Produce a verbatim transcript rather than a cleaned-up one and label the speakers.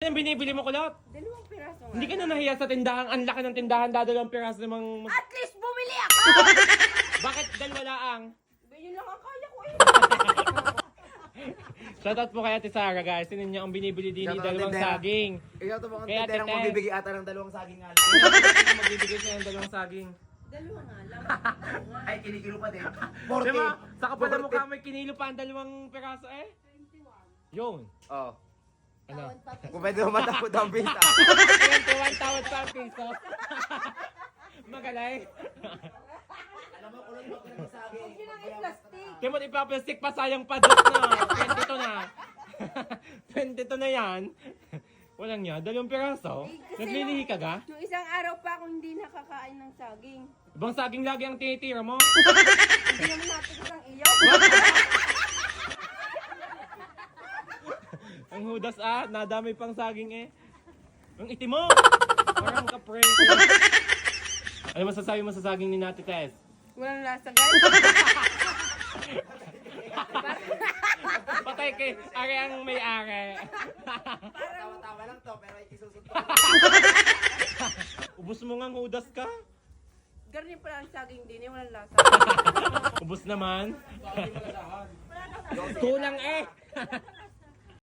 Speaker 1: ang binibili mo, kulot?
Speaker 2: Dalawang piraso nga.
Speaker 1: Hindi ka na nahiya sa tindahan. Ang laki ng tindahan, dadalawang piraso namang...
Speaker 2: At least bumili ako!
Speaker 1: Bakit dalawa laang?
Speaker 2: Yun lang ang kaya ko eh.
Speaker 1: Shoutout po kay Ate Sarah, guys. Sino niyo ang binibili din ni
Speaker 3: Shoutout,
Speaker 1: dalawang
Speaker 3: tindera.
Speaker 1: saging.
Speaker 3: Ikaw to mga
Speaker 1: Kaya,
Speaker 3: tinderang
Speaker 1: Tete.
Speaker 3: magbibigay ata ng dalawang saging nga.
Speaker 1: Sino magbibigay siya ng dalawang saging?
Speaker 2: Dalawa nga lang.
Speaker 3: Ay, kinikilo pa din.
Speaker 1: Diba? Sa kapal na mukha may kinilo pa ang dalawang piraso eh.
Speaker 2: twenty-one.
Speaker 1: Yun.
Speaker 3: Oo.
Speaker 1: Ano?
Speaker 2: Tawad pa.
Speaker 3: Kung pwede mo matapod ang pista.
Speaker 1: twenty-one tawad pa ang piso. Magaling.
Speaker 3: Alam mo, kulot mo ng saging.
Speaker 2: Yun ang i-plastic.
Speaker 1: Timot ipaplastic pa, sayang pa dos na. twenty-two na. twenty-two na yan. Walang niya, dalawang piraso.
Speaker 2: Eh, kasi
Speaker 1: Naglilihi ka ga?
Speaker 2: Nung isang araw pa akong hindi nakakain ng saging.
Speaker 1: Ibang saging lagi ang tinitira mo.
Speaker 2: Hindi naman natin ang iyo.
Speaker 1: Ang hudas ah, nadami pang saging eh. Ang itim mo! Parang kapre. Ano masasabi mo sa saging ni Nati Tess?
Speaker 2: Walang lasa guys.
Speaker 1: Patay kay are ang may-ari.
Speaker 3: Tawa-tawa lang to, pero ikisusot ko.
Speaker 1: Ubus mo nga hudas ka.
Speaker 2: Ganyan pala ang saging din eh, walang lasa.
Speaker 1: Ubus naman. Kulang eh.